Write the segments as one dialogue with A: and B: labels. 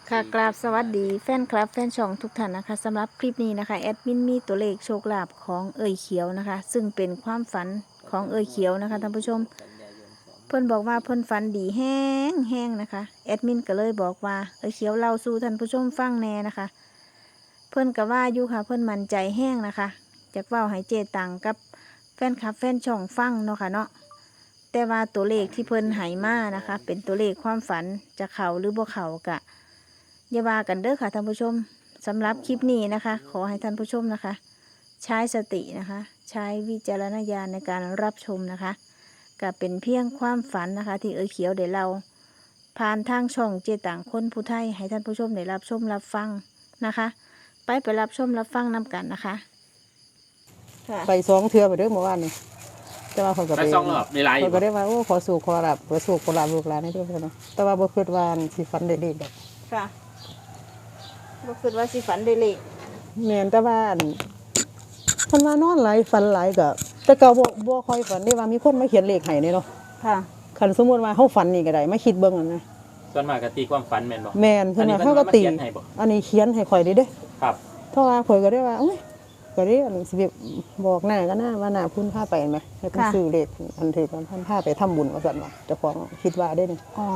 A: ค่ะกราบสวัสดีแฟนคลับแฟนช่องทุกท่านนะคะสำหรับคลิปนี้นะคะแอดมินมีตัวเลขโชคลาภของเอ่ยเขียวนะคะ ซึ่งเป็นความฝันของเอ่ยเขียวนะคะท่านผู้ชมเพิ่นบอกว่าเพิ่นฝันดีแห้งแห้งนะคะแอดมินก็เลยบอกว่าเอ่ยเขียวเล่าสู่ท่านผู้ชมฟังแน่นะคะ เพิ่นก็ว่าอยู่ค่ะเพิ่นมั่นใจแห้งนะคะจากเว้าให้เจตังกับแฟนคลับแฟนช่องฟังเนาะค่ะเนาะแต่ว่าตัวเลขที่เพิ่นให้มานะคะ เป็นตัวเลขความฝันจะเข้าหรือบ่เข้ากะ อย่าว่ากันเด้อค่ะท่านผู้ชมสำหรับคลิปนี้นะคะ ขอให้ท่านผู้ชมนะคะ ใช้สตินะคะ ใช้วิจารณญาณในการรับชมนะคะก็เป็นเพียงความฝันนะคะ ที่เอ๋ยเขียวเดี๋ยวเราผ่านทางช่องเจต่างคนผู้ไทยให้ท่านผู้ชมได้รับชมรับฟังนะคะ ไปรับชมรับฟังนำกันนะคะ
B: ไป2 เทื่อไปเด้อเมื่อวานนี่แต่ว่าเขาก็
C: ไปสองรอบในไลน์
B: เขาก็ได้ว่าโอ้ขอสู่ขอรับขอสู่ขอรับลูกหลานให้ด้วยเพิ่นเนาะแต่ว่าบ่คิดว่าสิฝันได้เลขดอก
A: ค่ะบ่คิดว่าสิฝันได้เลข
B: แม่นแต่ว่าเพิ่นว่านอนหลายฝันหลายก็แต่เก่าบ่ค่อยฝันได้ว่ามีคนมาเขียนเลขให้นี่เนาะ
A: ค่ะ
B: คันสมมุติว่าเฮาฝันนี่ก็ได้มาคิดเบิ่งนั่นนะ
C: ส่วนมากก็ตีความฝันแม่นบ่
B: แม่นเพิ่นว่า
C: อันนี้
B: เฮาก็ตี
C: เพิ่นมาเขียนให้บ่
B: อันนี้เขียนให้ข่อยได้เด้
C: ครับ
B: เพราะว่าข่อยก็ได้ว่าโอ้ยก็ได้อันสิบอกหน้าก็น่าว่าหน้าพุ่นพาไปไหมให้เพิ่นซื้อเลขอันที่เพิ่นพาไปทำบุญว่าซั่นว่าเจ้าของคิดว่าได้นี่
A: อ๋อ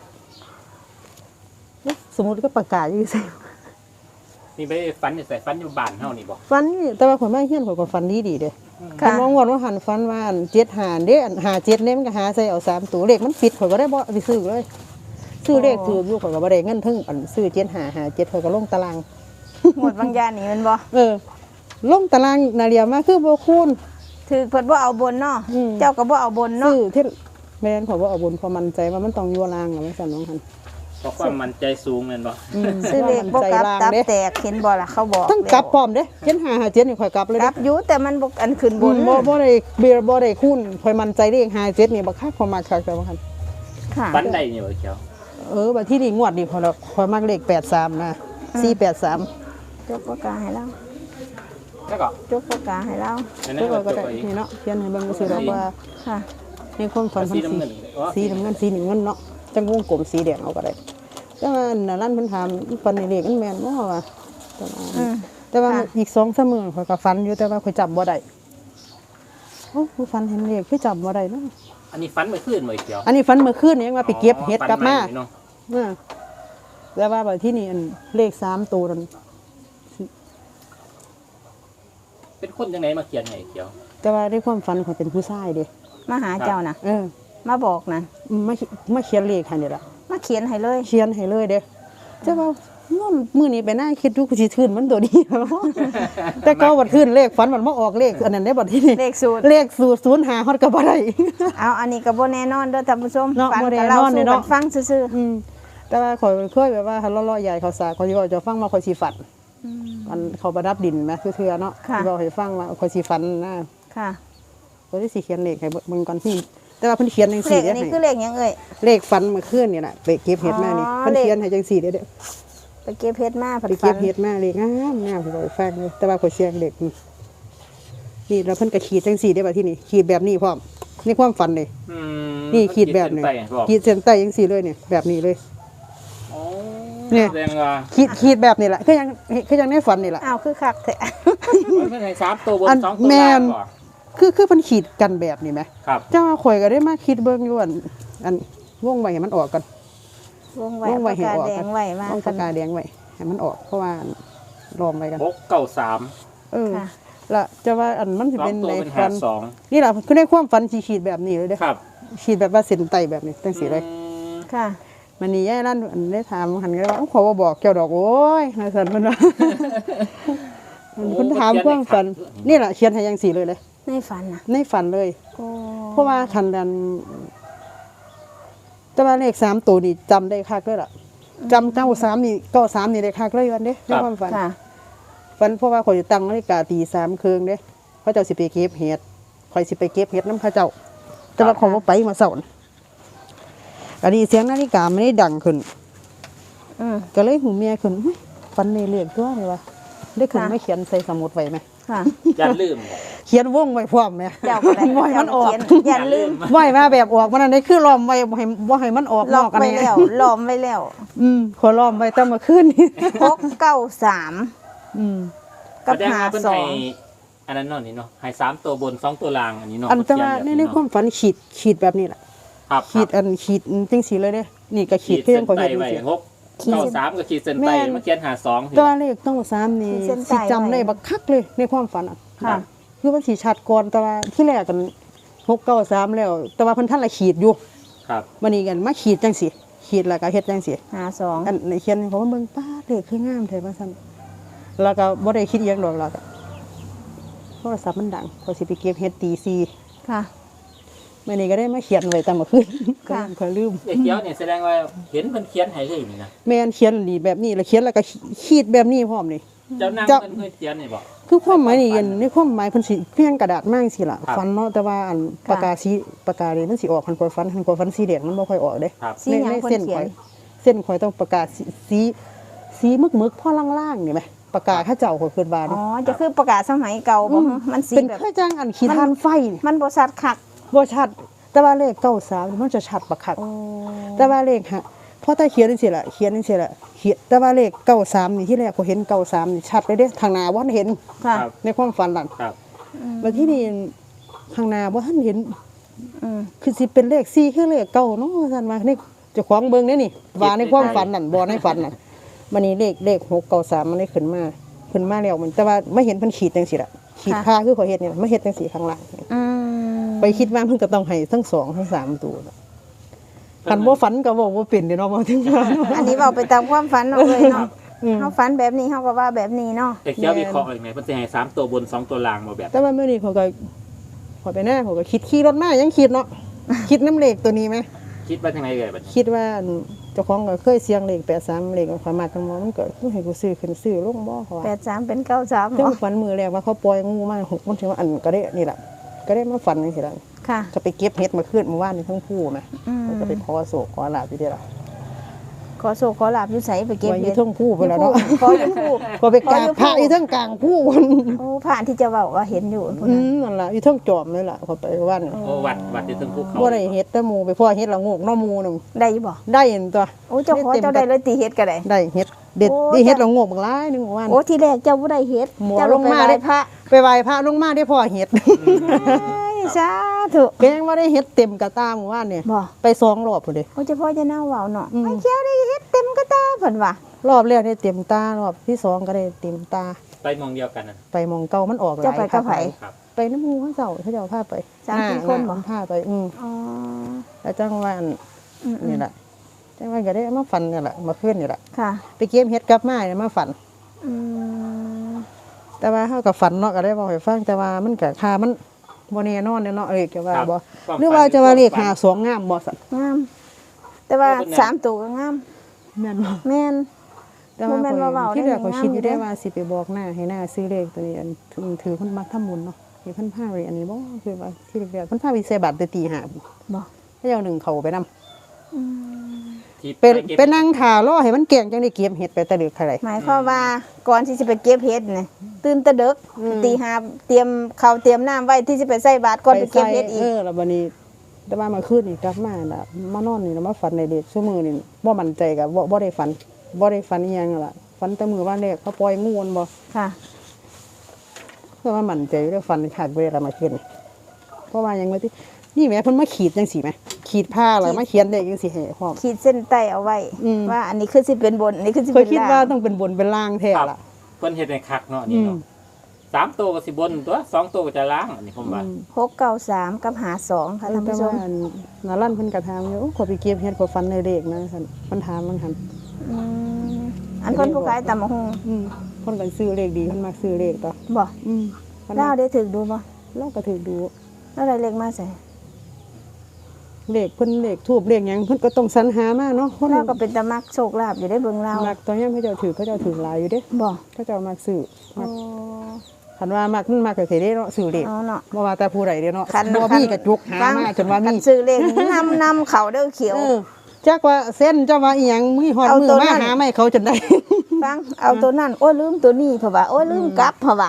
B: สมมุติก็ประกาศอยู่ซื่อ
C: นี่ไปฝันอยู่ใส่ฝันอยู่บ้านเฮานี่บ่
B: ฟันนี่แต่ว่าข่อยมาเฮียนข่อยก็ฟันดีเด้คั
A: ค่ะ
B: นว่างวดว่าหันฟันว่าอัน75เด้อัน57เนี่ยมันก็หาใส่เอา3ตัวเลขมันผิดข่อยก็ได้บ่ไปซื้อเลยซื้อเลขถูกอยู่ข่อยก็บ่ได้เงินถึงอันซื้อ7557ข่อยก็ลงตาราง
A: หมดบางยานนี่แมันบ่
B: ลงตารางนาเรียมาคือบ่คูณ
A: ถือเพิ่นบ่เอาบนเนาะ
B: อืม
A: เจ้าก็บ่เอาบนเนาะ
B: ซื้อที่แม่นข่อยบ่เอาบนเพอมั่นใจว่ามันต้องอยู่ลางน่ะว่าซั่นน้องหั่น
C: เพราะความมั่นใจสูงแม่นบ่
A: ซื้อเลขบ่กลับตับ
B: เด้
A: แตกเห็นบ่ล่ะเขาบอก
B: ต้องกลับพร้อมเด้7557นี่ข่อยกลับเลย
A: ก
B: เด้
A: ลับอยู่แต่มันบ่อันขึ้นบน
B: บ่ได้เบียร์บ่ได้คูณข่อยมั่นใจเลข57นี่บ่คักข่อยมักคักแต่ว่าหั่น
A: ค่ะ
C: ฝันได้นี่บ่เขียว
B: บัดที่นี่งวดนี่ข่อยมักเลข83นะ483
A: จกปากกาให้เรา
C: แล้วก็
A: จกปากกาให้เรา
C: อัน
B: แล้
C: นั้
B: วน ก็
C: ก็จบ
B: ได้
C: ไปอีก
B: นี่เนาะเขียนให้เบิ่งซื่อดอกว่า
A: ค่ะ
B: ในความฝัน
C: สีน้ำเงินอ๋อ
B: สีน้ำเงินสีหนึ่งเงินเนาะจังวงกลมสีแดงเอาก็ได้แต่ว่านั่นร้านเพิ่นถามอีฝันนี่เลขมันแม่นบ่ว่าแต่ว่าอีก2-3มื้อข่อยก็ฝันอยู่แต่ว่าข่อยจำบ่ได้โอ้ผู้ฝันเห็นเลขคือจำบ่ได้เนาะ
C: อันนี้ฝันเมื่อคืนบ่เขียว
B: อันนี้ฝันเมื่อคืนนี่ยังว่าไปเก็บเห็ดกลับมา
C: ฝันใหเนาะ
B: แต่ว่าบัดที่นี่อันเลข3ตัวนั่น
C: เป็นคนจังไดมาเขียนให้เขียว
B: แต่ว่าในความฝันข่อยเป็นผู้ชายเด้
A: มาหาเจ้าน่ะ มาบอกน่ะ
B: มาเขียนเลขให้นี่ล่ะ
A: มาเขียนให้เลย
B: เขียนให้เลยเด้แต่ว่ามื้อนี้ไปหน้าคิดดูกูสิทื่นมันตัวนี้ แต่ก็บัดขึ้นเลขฝันมันมาออกเลขอันนั้นได้บัดที่นี่
A: เลขสูตร
B: เลขสูตร05ฮอดก็บ่ได้
A: เอาอันนี้ก็บ่แน่นอนเด้อท่านผู้ชม
B: เนาะ
A: ฟัง
B: บ่แน่
A: กับเรา
B: นอนนี่
A: สู่
B: เนาะ
A: กันฟังซื่อ
B: แต่ว่าข่อยเคยแบบว่าหันล้อๆใหญ่เขาสาข่อยสิว่าจะฟังมาข่อยสิฝัน
A: ๆ
B: อันเขาประดับดินแหมเทื่อๆเนาะ
A: ค่ะ
B: สิบอกให้ฟังว่าข่อยสิฝันนะ
A: ค่ะ
B: ข่อยสิเขียนเลขให้เบิ่งก่อนที่แต่ว่าเพิ่นเขียนจัง
A: เล
B: ซี่
A: ข
B: เด้
A: อันนี้คือเลขหยังเอ่ย
B: เลขฝันเมื่อคืนนี่ล่ะไปเก็บเห็ดมานี่
A: อ๋อ
B: เพิ่นเขียนให้จังซี่เด้อ
A: ไปเก็บเพชรมาผัด
B: ไป
A: ฟั
B: เก็
A: น
B: บเห็ดมาเลยงามสิบอกให้ฟังเลยแต่ว่าข่อยเสียงเด็กนี่แล้วเพิ่นก็ขีดจังซี่ได้บัดที่นี่ขีดแบบนี้พร้อมนี่ความฝันเลย
C: อืม
B: นี่ขีดแบบนี้
C: เส้นไปบอก
B: ขีดเส้นใต้จังซี่เลยเนี่ยแบบนี้เลย
C: อ๋อ
B: เนี่ย
C: แสดงว่า
B: ขีดแบบนี้แหละคือยังในฝันนี่แหละ
A: อ้าวคือคักแท้
C: มันเป็นให้3ตัวบน
B: อัน
C: 2ตัว
B: แม่
C: ล่าง
B: น
C: บ่
B: คือเพิ่นขีดกันแบบนี้ไหม
C: ครับ
B: เจ้าว่าข่อยก็ได้มาคิดเบิ่งอยู่อันวงไว้ให้มันออกกัน
A: วงไว้
B: วงไว้
A: ปาก
B: ให้
A: กา
B: ออก
A: แด
B: กั
A: ง
B: น
A: ไว้มา
B: ต้องปากกาแดงไว้ให้มันออกเพราะว่าล้อมไว้กัน
C: 693
A: ค่ะ
B: ละจะว่าอันมันสิเป็น
C: 2ตัว
B: ใน
C: เป็น
B: ฝัน
C: 52
B: นี่แหละคือในความฝันขีดแบบนี้เลยเด้อ
C: ครับ
B: ขีดแบบว่าเส้นใต้แบบนี้จังซี่เลย
C: อืม
A: ค่ะ
B: มันนี่ย่ายนั่นอันได้ถามหันก็ว่าขอบอกเจ้าดอกโอ้ยนายสันมันว่าคุณถามความฝันนี่แหละเขียนให้ยังสีเลย
A: ในฝันน่ะ
B: ในฝันเลย
A: โอ้
B: เพราะว่าคันดันแต่ว่าเลข3ตัวนี่จำได้คักเลยล่ะจำ93นี่93นี่ได้คักเลยวันเด้ในความฝัน
A: ค่ะ
B: ฝันเพราะว่าข่อยจะตั้งนาฬิกาตี3ครึ่งเด้เขาเจ้าสิไปเก็บเห็ดข่อยสิไปเก็บเห็ดน้ำเขาเจ้า แต่ว่าของบ่ไปมาเช้าน่ะอันนี้เสียงนาฬิกาไม่ได้ดังขึ้น ก็เลยหูเมียขึ้นอุ๊ยฝันในเรื่องตัวเลยวะได้ขึ้น
A: ค่ะ
B: ไม่เขียนใส่สมุดไว้ไหม
A: ค่ะ
C: อย่าลืม
B: เขียนวงไว้พร้อมแม่
A: เจ้าก็ได้
B: บ่ให้มันออก
A: อย่าลืม
B: บ่ให้มาแบบออกมันอันนี้คือล้อมไว้บ่ให้มันออกน
A: ล็อ
B: อก กอัน
A: ไว้
B: นี้
A: แล้วล้อมไว้แล้ว
B: ขอล้อมไว้ตั้งมาคืนนี่
A: 693
B: อืม
A: กับ
C: แสดงว่าเพิ่นให้
A: 52
C: อันนั้นเนาะนี่เนาะให้3ตัวบน2ตัวล่างอันนี้เนาะ
B: อันแต่ว่า
C: เขีย
B: ใน
C: แบบ
B: ความฝันขีดแบบนี้แหละ
C: ครับ
B: ขีดจังสีเลยเด้นี่ก็ขีดเพียงพอเห็น
C: ไว้
B: จังซี่
C: 6 93ก็ขีดเส้น
B: แม่
C: ใต้
B: น
C: มาเขียน52
B: ตัวเลขต้อง3นี่
A: ขีดเส้นใต้
B: สิจำได้บักคักเลยในความฝันอ่ะ
A: ค่ะ
B: คือมันสิชัดก่อนแต่ว่าที่แรกกัน693แล้ว แต่ว่าเพิ่นท่านละขีดอยู่
C: ครับ
B: วันนี้กันมาขีดจังสิขีดแล้วก็เฮ็ดจังสิ
A: 52
B: อันในเขียนเพราะว่าเบิ่งป้าเลขคืองามแท้ว่าซั่นแล้วก็บ่ได้คิดอีหยังดอกแล้วก็โทรศัพท์มันดังพอสิไปเก็บเฮ็ดตี4
A: ค่ะ
B: มื้อนี้ก็ได้มาเขียนไว้ตั้งเมื่อคืน
A: ค่ะ
B: ก็ลืม
C: ไอ้เขียวเนี่ยแสดงว่าเห็นเพิ่นเขียนให้เลยนี่นะ
B: แม่นเขียนดีแบบนี้แล้วเขียนแล้วก็ขีดแบบนี้พร้อมนี่
C: เจ้านาง
B: เจ้า
C: เพิ่นเคยเขียนนี่บ่
B: คือความหมายนี่ในความหมายเพิ่นสิเพียงกระดาษมากสิล่ะ
C: ครับ
B: ฟันเนาะแต่ว่าอันปากกานี่มันสิออกคันกว่าฟันสีแดงมันบ่ค่อยออกเด้
C: ครับ
A: สีหยัง
B: ใน
A: เพิ่น
B: เส้น
A: เขีย
B: ข่อน ยเส้นข่อยต้องปากกาสีมึกๆพ่อล่างๆนี่ไหมปากกาเขาเจ้าข่อยคิดว่า
A: อ๋อ
B: นี่
A: จะคือประกาศสมัยเก่าบ่มันสี
B: เป็น
A: แบบ
B: เครื่องจังอันขีทานไฟนี่
A: มันบ่ชัดคัก
B: บ่ชัด แต่ว่าเลข93นี่มันจะชัดบักคัก
A: โอ้
B: แต่ว่าเลขฮะพอถ้าเขียนจังซี่ล่ะเขียนจังซี่ล่ะเขียนแต่ว่าเลข93นี่ที่แรกข่อยเห็น93นี่ชัดเลยเด้ทางหน้าบ่ทันเห็น
A: ค่ะ
C: ครับ
B: ในความฝันนั่น
C: ครับ
B: แล้วที่นี่ข้างหน้าบ่ทันเห็น
A: อืม
B: คือสิเป็นเลข4คือเลข9เนาะว่าซั่นว่านี่เจ้าของเบิ่งเด้นี่ว่าในความฝันนั่นบ่ในฝันนั่นมันนี่เลข693มันได้ขึ้นมาแล้วมันแต่ว่าไม่เห็นเพิ่นขีดจังซี่ล่ะขีดค่าคือข่อยเฮ็ดนี่ล่ะไม่เฮ็ดจังซี่ข้างล่าง
A: อืม
B: ไปคิดว่าเพิ่นก็ต้องให้ทั้ง2ทั้ง3ตัวน่ะคันบ่ฝันก็บอกบ่เป็นเด้เนาะบ่ถึงว่า
A: อันนี้เว้าไปตามความฝันเนาะเลยเนาะ
B: อืม
A: เฮาฝันแบบนี้เฮาก็ว่าแบบนี้เนาะ
C: ไอ้เขียววิเคราะห์ยังไงเพิ่นสิให้3ตัวบน2ตัวล่างบ่แบบ
B: แต่ว่ามื้อนี้เขาก็ขอยไปหน้าเขาก็คิดขี่รถมายังคิดเนาะ คิดน้ำเลขตัวนี้ไหม
C: คิดว่าจังไดเอ่ยบัดนี้
B: คิดว่าอันเจ้าของก็เคยเสียงเลข83เลขความมากกันบ่มันก็ให้กูซื้อขึ้นซื้อลงบ่เขาว่า
A: 83เป็น93
B: ถึง
A: เนาะ
B: ฝันมือแรกว่าเขาปล่อยงูมา6มันถึงว่าอันก็ได้นี่ล่ะก็ได้มาฝันจังซี่ล่ะ
A: ค่ะ
B: ก็ไปเก็บเห็ดมาคืนเมื่อวานนี้ทั้งคู่แหม
A: อืม
B: ก็ไปขอโศกขอลาบอยู่เด้ล่ะ
A: ขอโชคขอลาบอยู่ไสไปเก็บ
B: ไว้อ
A: เห็
B: ยู่
A: ด
B: ทั้งคู่ไปแล้วเนาะ
A: ขออยู่ผู้
B: ก็ไปกราบพระอยู่ทั้งกลางคู่
A: โอ้ผ่านที่จะเว้าว่าเห็นอยู่พุ่น
B: อื
A: น่ะ
B: มนั่นล่ะอยู่ทั้งจอมเลยล่ะเขาไปวัน
C: โอ้วัดที่ถึงภูเขา
B: บ่ได้เฮ็ดแต่หมู่ไปพ่อเฮ็ดละโงกเนาะหมู่นึง
A: ได้อยู่บ่
B: ได้เห็นตัว
A: โอ้เจ้าขอเจ้าได้เลยตีเฮ็ดก็ได้
B: ได้เฮ็ดเด็ด
A: โอ้
B: ได้เฮ็ดละโงกบักหลายหนึงเมื่อวาน
A: โอ้ที่แรกเจ้าบ่ได้เฮ็ด
B: หมอ
A: เจ้า
B: ลงมา
A: ไป
B: ได้
A: ไหว้พระ
B: ไปไหว้พระลงมาได้พ่อเฮ็ด
A: เอ้ยสาธุ
B: แกงว่าได้เฮ็ดเต็มกระตาเมื่อวานเนี่ย
A: บ่
B: ไป2รอบพุ่นเด้
A: โอ้เจ้าพ่อจะน่าเว้าเนาะ
B: อืม
A: ไอ้เขียวได้เฮ็ดเต็มกระตาเพิ่นว่าร
B: อบแรกได้เต็มตารอบที่2ก็ได้เต็มตา
C: ไปมองเดียวกันน่ะ
B: ไปหมองเก่ามันออกหลาย
A: เจ้าไปกับไผ
C: ครับ
B: ไปน้ำหมู่เขาเจ้าเขาเจ้าพาไป
A: สามสี่คนบ่
B: พาไป
A: อ๋อ
B: แล้วจังหวะ
A: อืม
B: นี่แหละจังหวะก็ได้มาฝันนี่แหละมาขึ้นนี่แหละ
A: ค่ะ
B: ไปเก็บเฮ็ดกลับมาเนี่ยมาฝัน
A: อืม
B: แต่ว่าเฮากับฝันเนาะก็ได้บอกให้ฟังแต่ว่ามันก็ค่ามันบ่แน่นอนเนาะเอ้ยก็ว่าบ่หรือว่าจะว่าเลข52งามบ่สั่น
A: งาม แต่ว่า3ตัวก็งาม
B: แม่นบ่
A: แม่น
B: แต่ว่า
A: บ่แม่นว่าเว้า
B: ที่แรก
A: ได้
B: เขาคิดอยู่ได้
A: งามอยู่เด้
B: ว่าสิไปบอกหน้าให้หน้าซื้อเลขตัวนี้อันถือเพิ่นมักทำบุญเนาะให้เพิ่นพาไปอันนี้บ่คือว่าที่แรกเพิ่นพาไปใส่บาตรแต่ตี5
A: บ่
B: เขาเจ้าหนึ่งเขาไปนำ
A: อืม
C: ที่
B: เป็น
C: ก็บ
B: เป็นนั่งถ่ารอให้มันแกงจังได้เก็บเห็ดไปแต่ดึกใคร
A: หมายความว่าก่อนที่จะไปเก็บเห็ดนี่ตื่นแตะดึก
B: อืม
A: ตีห้าเตรียมข้าวเตรียมน้ำไว้ที่จะไปใส่บาตรก่อนไปเก็บเห็ดอีก
B: แล้วบัดนี้แต่ว่ามาคืนนี่กลับมาน่ะมานอนนี่แล้วมาฝันในเด็กชั่วมือนี่บ่มั่นใจกับบ่ได้ฝันอีหยังนั่นล่ะฝันแต่มือว่าแรกเขาปล่อยงูมันบ่
A: ค่ะ
B: เพราะว่ามั่นใจแล้วฝันขาดเวลามาคืนนี่เพราะว่าหยังว่าที่นี่แหมเพิ่นมาขีดจังซี่แหมขีดผ้าแล้วมาเขียนเลขจังซี่ให้พร้อม
A: ขีดเส้นใต้เอาไว้
B: อืม
A: ว่าอันนี้คือสิเป็นบนอันนี้คือสิ
B: เคย
A: เป็น
B: คิด
A: ล่าง
B: ว่าต้องเป็นบนเป็นล่างแท้
C: ครับ
B: ล่ะ
C: เพิ่นเฮ็ดให้คักเนาะนี่เนาะ3ตัวก็สิบนตัว2ตัวก็จะล่างอันนี้ผมว่า
A: 693กับ52ค่ะท่าน
B: แต่
A: ผู้ช
B: ว่าม นาลั่นเพิ่นก็ถามอยู่โอ้ขอไปเก็บเฮ็ดขอฝันในเลขนะซั่นมันถามมันหั่น
A: อืมอันคนผู้ขายตำมะฮง
B: เพิ่นก็ซื้อเลขดีเพิ่นมักซื้อเลขต่อ
A: บ่
B: เพิ่น
A: เล่าได้ถึกดูบ่
B: เราก็ถือดู
A: แล้วได้เลขมาใส่
B: เลขเพิ่นเลขทูบเลขหยังเพิ่นก็ต้องสรรหามาเนาะคน
A: เล่าก็เป็นตะมักโชคลาภอยู่ได้เบิ่งเล่า
B: มักตอนยามเขาเจ้าถือหลายอยู่เด้
A: บ่
B: เขาเจ้ามักซื้อ
A: โอ้
B: คันว่ามักมันมักก็สิได้เนาะซื้อเลข
A: เอาเนาะ
B: บ่ว่าแต่ผู้ใดเด้เนาะ
A: คัน
B: บ่มีกระจุกหามาจนว่า
A: คั
B: มี
A: ซื้อเลขนำเขาเด้อเขียว
B: จักว่าเส้นเจ้าว่าอีหยังมีฮอด
A: เอา
B: มื
A: ตัว
B: อ
A: นั้
B: มาน หาไม่เขาจนได้
A: ฟังเอาตัวนั้นโอ้ยลืมตัวนี้เพราะว่าโอ้ยลืมกลับเพราะว่า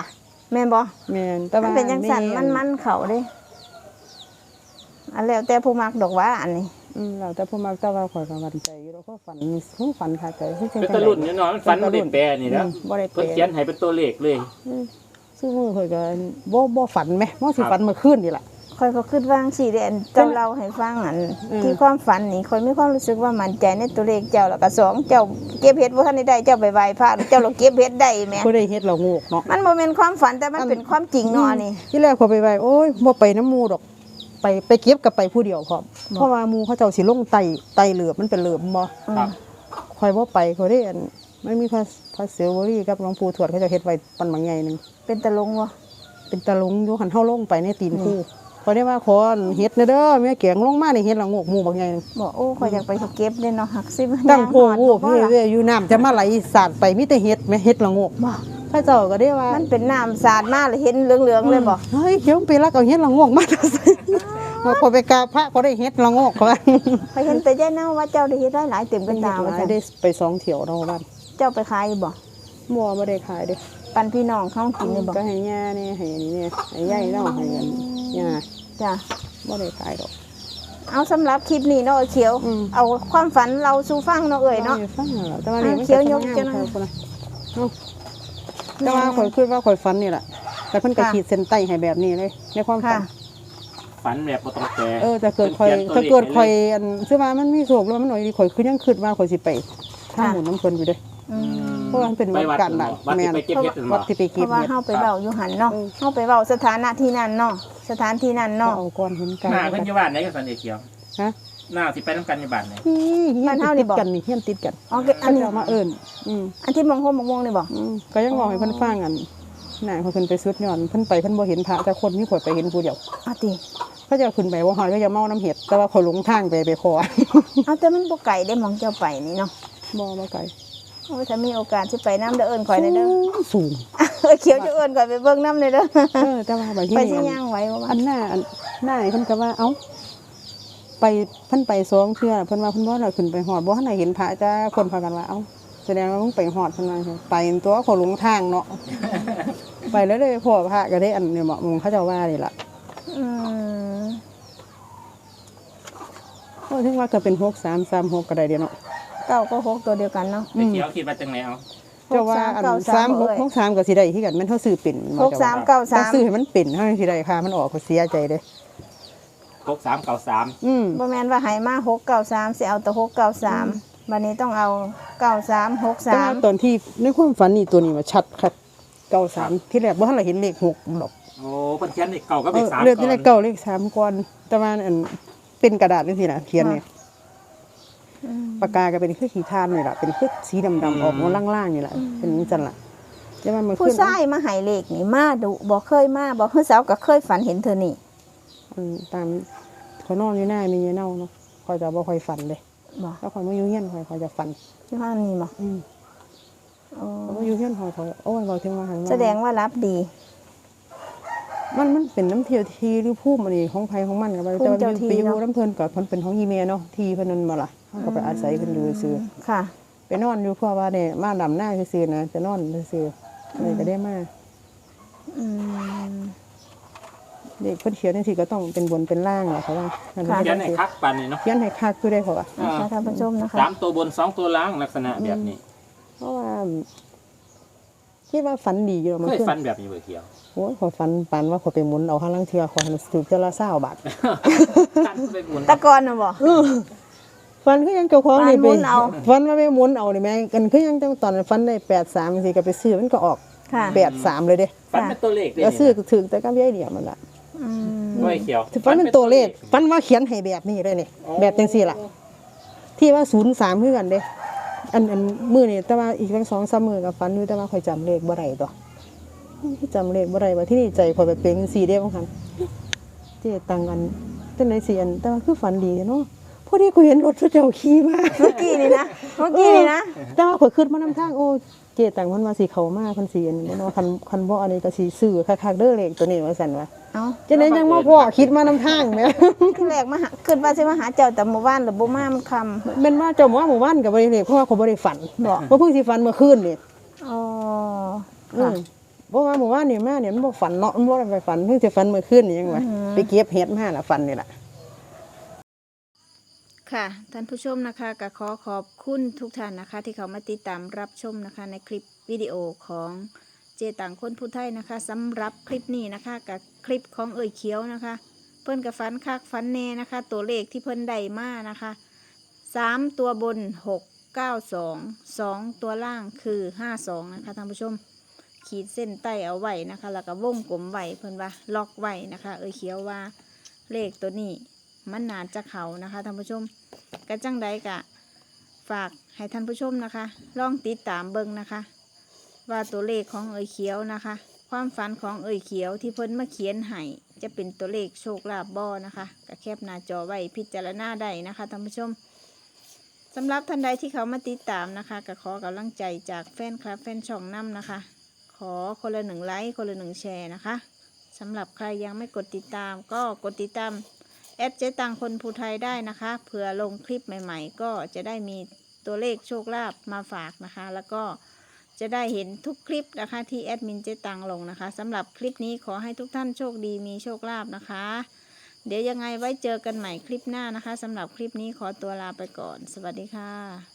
A: แม่นบ่
B: แม่นแต่
A: มั
B: ว่าน
A: เป็นจังซั่นมันเขาเด้อันแล้วแต่ผู้มักดอกว่าอันนี้
B: แล้วแต่ผู้มักแต่ว่าข่อยก็มั่นใจอยู่แล้วก็ฝันค่ะแต่คือจัง
C: เป็นตะลุ่นอยู่เนาะมันฝันบ่ได้แปลนี่แล้ว
B: บ่ได้แปล
C: เพิ่นเขียนให้เป็นตัวเลขเลย
B: ซึ่งมือข่อยก็บ่ฝันแหมบ่สิฝันเมื่อคืนนี่ล่ะ
A: ค่อยก็คิดว่าจังซี่เด้อันเจ้าเล่าให้ฟังอันที่ความฝันนี่ค่อยมีความรู้สึกว่ามั่นใจในตัวเลขเจ้าแล้วก็สองเจ้าเก็บเฮ็ดบ่ทันได้เจ้าไปไหว้พระเจ้าเราเก็บเฮ็ดได้แหม
B: บ่ได้เฮ็ดเราโงกเนาะ
A: มันบ่แม่นความฝันแต่มันเป็นความจริงเนาะอันนี้
B: ที่แรกข่อยไปไหว้โอ้ยบ่ไปน้ำหมู่ดอกไปเก็บกับไปผู้เดียวพร้อมเพราะว่าหมู่เขาเจ้าสิลงไต่เหลือบมันเป็นเหลือบบ่
C: ครับ
B: ข่อยบ่ไปข่อยได้อันมันมีพระเสวรีกับหลวงปู่ทวดเขาเจะเฮ็ดไว้ปันบางใหญ่หนึง
A: เป็นตะลงบ่
B: เป็นตะลุงอยู่หันเฮาลงไปในตีนคู่ข่อยได้ว่าขอเฮ็ดเด้อแม่เกียงลงมานี่เฮ็ดละโงกหมู่บางใหญ่หนึง
A: บอกโอ้ข่อยอยากไปเก็บเด้เนาะหักสิบ
B: ตั้งโพ
A: ย่า
B: โอ้
A: หอด
B: พี่
A: บ่ล่ะ
B: เวยอยู่น้ำจะมาไหลสาดไปมีแต่เฮ็ดแม่เฮ็ดละโงก
A: บ่
B: พระเจ้าก็ได้ว่า
A: มันเป็นน้ำสาดมาเลยเห็นเหลืองๆเลยบ่
B: เฮ้ยเขียวไปรักเอาเฮ็ดละโงกมาใส่มาพอไปกราบพระก็ได้เฮ็ดละโงกเขาว่า
A: ข่อยเห็นแต่ยายเน่าว่าเจ้าได้เฮ็ดได้หลายเต็มกันตาว่าซั่น
B: ได้ไป2เที่ยวเนาะบ้าน
A: เจ้าไปขายบ่
B: บ่ได้ขายเด้
A: ปันพี่น้องเขากินเลยบ่
B: ก็ให้ย่านี่ให้อันนี้นี่ให้ยายเนาะให้อันย่า
A: จ้ะ
B: บ่ได้ขายดอก
A: เอาสำหรับคลิปนี้เนาะเขียว เอาความฝันเราสู่ฟังเนาะเอ่ยเนาะ
B: ฟังแล้วแต่ว่านี่มัน
A: เขียวยกจัง
B: แต่ว่าข่อยคิดว่าข่อยฝันนี่แหละแต่เพิ่นก็
A: ค่ะ
B: ขีดเส้นใต้ให้แบบนี้เลยในความฝั
A: ค่ะ
B: น
C: ฝันแบบบ่ต้องแปล
B: แต่เกิดข่อย
C: พิ่น
B: ถ้า
C: ขี
B: เกิ
C: ย
B: ด
C: นตัวลข
B: ข่อย
C: ให้เล
B: อันซื้อมามันมีโศกแล้วมันหน่อยดีข่อยคือยังคิดว่าข่อยสิไปถ้าหมุนน้ำเพิ่นอยู่เด้
A: อืม
B: เพราะว่ามันเป็น
C: ไป
B: วัด
C: วัด
B: กันน่ะ
C: วัด
B: แม่
C: ที่
B: น
C: ไปเก็บเฮ็ดนั่น
B: วั
C: บ่
B: ดที่ไป
A: เพ
B: เก็บ
A: ราะว่า
B: เห็ด
A: เฮาไปเว้าอยู่หันเนาะ
B: เออ
A: เฮาไปเว้าสถานะที่นั่นเนาะสถานที่นั่นเนาะ
B: เอาก่อนเห็นกัน
C: หน้าเพิ่นอยู่บ้านไหนกันสันเอเขียว
B: ฮะ
C: หน้าสิไปนํกันอยู่บ้านไหน
B: นี่
A: บ้านเฮานี่
B: ติด
A: บอก
B: กันนี่เฮียนติดกัน
A: อ๋ออั
B: เขา
A: นนี้
B: จะเอามาเอิ้นอืม
A: อันที่มองโฮมมองนี่บ่
B: ก็ยังบอกให้เพิ่นฟังอันน่ะเขาขึ้นไปสุดยอดเพิ่นไปเพิ่นบ่เห็นพระแต่คนมีข่อยไปเห็นผู้เดียว
A: เอาติ
B: เขาจะขึ้นไปบ่ฮอดเขาจะเมาน้ำเห็ดแต่ว่าเขาหลงทางไปขอ
A: เอาแต่มันบ่ไกลได้มองเจ้าไปนี่เนาะ
B: บ่ไกล
A: โอ้ยถ้ามีโอกาสสิไปน้ำเด้อเอิ้นข่อยได้เด้อ
B: สูง
A: เขียวจะเอิ้นข่อยไปเบิ่งน้ำเลยเด้อ
B: แต่ว่าบางที
A: ไปสิ
B: นี่
A: ย่างไหว้บ่วะ
B: อันหน้านี่เพิ่นก็ว่าเอ้าไปเพิ่นไปสองเทื่อเพิ่นว่าเพิ่นบ่ได้ขึ้นไปฮอดบ่ทันได้เห็นพระจ้าคนพากันว่าเอ้าแสดงว่ามึงไปฮอดเพิ่นว่าไปตัวเขาหลงทางเนาะ ไปแล้วเลยพ่อพระก็ได้อันเนี่ยเหมาะมึงเขาเจ้าว่านี่ล่ะ
A: อืม
B: ก็ถึงว่าก็เป็น6336ก็ได้เด้เนาะ
A: เก้าก็หกตัวเดียวกันเนาะ
C: เอเขียวคิดว่าจังไดเอา
B: เจ้าว่าอัน 3663ก็สิได้คือกันแม่นเฮาซื้อเป็น
A: หกสามเก้า
B: ถ้า
A: สาม
B: ซื้อให้มันเป็นเฮาสิได้ค่ามันออกก็เสียใจเด้
C: 6393
A: บ่แม่นว่าให้มา693สิเอาแต่693บัดนี้ต้องเอา93
B: แต่ว่าตอนที่ในความฝันนี่ตัวนี้มาชัดครับ93ที่แรกบ่ทันได้เห็นเลข6หรอก
C: โอ้เพิ่นเขียนเลขเก่ากับเลข3
B: เลขที่เลขเก้าเลข3ก่อนแต่ว่าอันเป็นกระดาษจังซี่น่ะเขียนเนี่ยปากกาก็เป็นคือขีทานนี่ล่ะเป็นคือสีดำๆออกมาล่างๆนี่ล่ะเป็นจังซั่นล่ะแต่ว่ามัน
A: ผู้
B: ขึ้น
A: ชายมาให้เลขนี่มาดุบ่เคยมาบ่คือสาวก็เคยฝันเห็นเธอนี่
B: ตามเขานอนอยู่หน้ามีเน่าเนาะคอยจะบ่ค่อยฝันเลย
A: บ่
B: แล้วคอยมาอยู่เฮียนคอยจะฝัน
A: ที่ว่านี่บ่ อ๋อ
B: เขามาอยู่เฮียนคอยโอ้ยเราถึงว่าหันมา
A: แสดงว่ารับดี
B: มันเป็นน้ำเที่ยวทีหรือภูมิอันนี้ของไผของมันก็บ่แต่ว่าอยู่ไปอยู่น้ำเพิ่นก็เพิ่นเป็นของอีเมเนาะที่เพิ่นนั่นบ่ล่ะเฮาก็ไปอาศัยเพิ่นอยู่ซื่อ
A: ค่ะ
B: ไปนอนอยู่เพราะว่าเนี่ยมาดำหน้าซื่อๆนะจะนอนซื่อๆเลยก็ได้มา
A: อืม
B: เด็กเพิ่นเขียนจังซี่ก็ต้องเป็นบนเป็นล่างเหรอเขาว่านั่น
A: ค่ะ
C: เขียนให้คักปานนี้เนาะ
B: เขียนให้คักคือได้เขาว่า
A: นะคะท่านผู้ชมนะคะ
C: 3ตัวบน2ตัวล่างลักษณะแบบนี้
B: เพราะว่าคิดว่าฝันดีอยู่มัน
C: เคย
B: ขึ้น
C: ฝันแบบนี้บ่เขียว
B: โอ้ยขอยฝันปานว่าขอยไปหมุนเอาห้าลังเทือขอยถูกเทือละ20 บาท
C: ฝันไปบุญ
A: ตะกอนน่ะบ่
B: ฝันคือยังเจ้าของนี่
A: ฝันหมุนเอา
B: ฝันว่าไปหมุนเอานี่แม่กันคือยังตอนนั้นฝันได้83จังซี่ก็ไปซื้อมันก็ออก
A: ค่ะ
B: 83เลยเด้
C: ฝันเป็นตัวเลขเลย
B: แล้วซื้อก็ถึงแต่กับยายเดียวมันล่ะ
A: อืม
C: บ่เขียว
B: ฝันเป็นตัวเลขฝันว่าเขียนให้แบบนี้เลยนี่แบบจังซี่ล่ะ ที่ว่า03คือกันเด้อันมื้อนี่แต่ว่าอีกจัง2-3มื้อก็ฝันอยู่แต่ว่าข่อยจำเลขบ่ได้ตัวจำเลขบ่ได้ว่าที่นี่ใจข่อยไปเป็นจังซี่เด้บางครั้งเจ๊ตังกันจังได๋สิอันแต่ว่าคือฝันดีเนาะพอดีกูเห็นรถพระเจ้าขี่มา
A: เมื่อกี้นี่นะ
B: แต่ว่าข่อยขึ้นมานำทางโอ้เจ๊ตังมันว่าสิเข้ามาเพิ่นสิอันนี้เนาะคันบ่อันนี้ก็สิซื้อคักๆเด้อเลขตัวนี้ว่าซั่นว่า
A: เอ้า
B: จังได๋จังมาพ่อคิดมานำทางแหม
A: ที่แรกมาหาขึ้นว่าสิมาหาเจ้าแต่หมู่บ้านหรือบ่มามันค่ำ
B: แม่นว่าเจ้าว่าหมู่บ้านก็บ่ได้เลขเพราะว่าเขาบ่ได้ฝัน
A: บ่
B: ว่าเพิ่งสิฝันเมื่อคืนนี่
A: อ๋อ
B: อื
A: ค่ะ
B: มบ่ว่าหมู่บ้านนี่มาเนี่ยมันบ่ฝันเนาะมันบ่ได้ไปฝันเพิ่งจะฝันเมื่อคืนนี่ยังว่าไปเก็บเห็ดมาล่ะฝันนี่ล่ะ
A: ค่ะท่านผู้ชมนะคะก็ขอขอบคุณทุกท่านนะคะ ที่เขามาติดตามรับชมนะคะ ในคลิปวิดีโอของเจต่างคนผู้ไทยนะคะสำหรับคลิปนี้นะคะกับคลิปของเอ่ยเขียวนะคะ เพิ่นกับฟันคักฟันแน่นะคะ ตัวเลขที่เพิ่นได้มานะคะ3ตัวบน692 2ตัวล่างคือ52นะคะท่านผู้ชมขีดเส้นใต้เอาไว้นะคะ แล้วก็วงกลมไว้เพิ่นว่าล็อกไว้นะคะ เอ่ยเขียวว่าเลขตัวนี้มันน่าจะเขานะคะท่านผู้ชมกระจังใดกะฝากให้ท่านผู้ชมนะคะลองติดตามเบิ่งนะคะ ว่าตัวเลขของเอ่ยเขียวนะคะ ความฝันของเอ่ยเขียวที่เพิ่นมาเขียนให้จะเป็นตัวเลขโชคลาภบ่นะคะก็แคปหน้าจอไว้พิจารณาได้นะคะท่านผู้ชมสำหรับท่านใดที่เขามาติดตามนะคะก็ขอกำลังใจจากแฟนคลับแฟนช่องนำนะคะ ขอคนละ1 ไลค์คนละ1 แชร์นะคะสำหรับใครยังไม่กดติดตามก็กดติดตามแอดเจ๊ตังคนภูไทยได้นะคะเผื่อลงคลิปใหม่ๆ ก็จะได้มีตัวเลขโชคลาภมาฝากนะคะ แล้วก็จะได้เห็นทุกคลิปนะคะที่แอดมินเจ๊ตังลงนะคะสำหรับคลิปนี้ขอให้ทุกท่านโชคดีมีโชคลาภนะคะ เดี๋ยวยังไงไว้เจอกันใหม่คลิปหน้านะคะสำหรับคลิปนี้ขอตัวลาไปก่อนสวัสดีค่ะ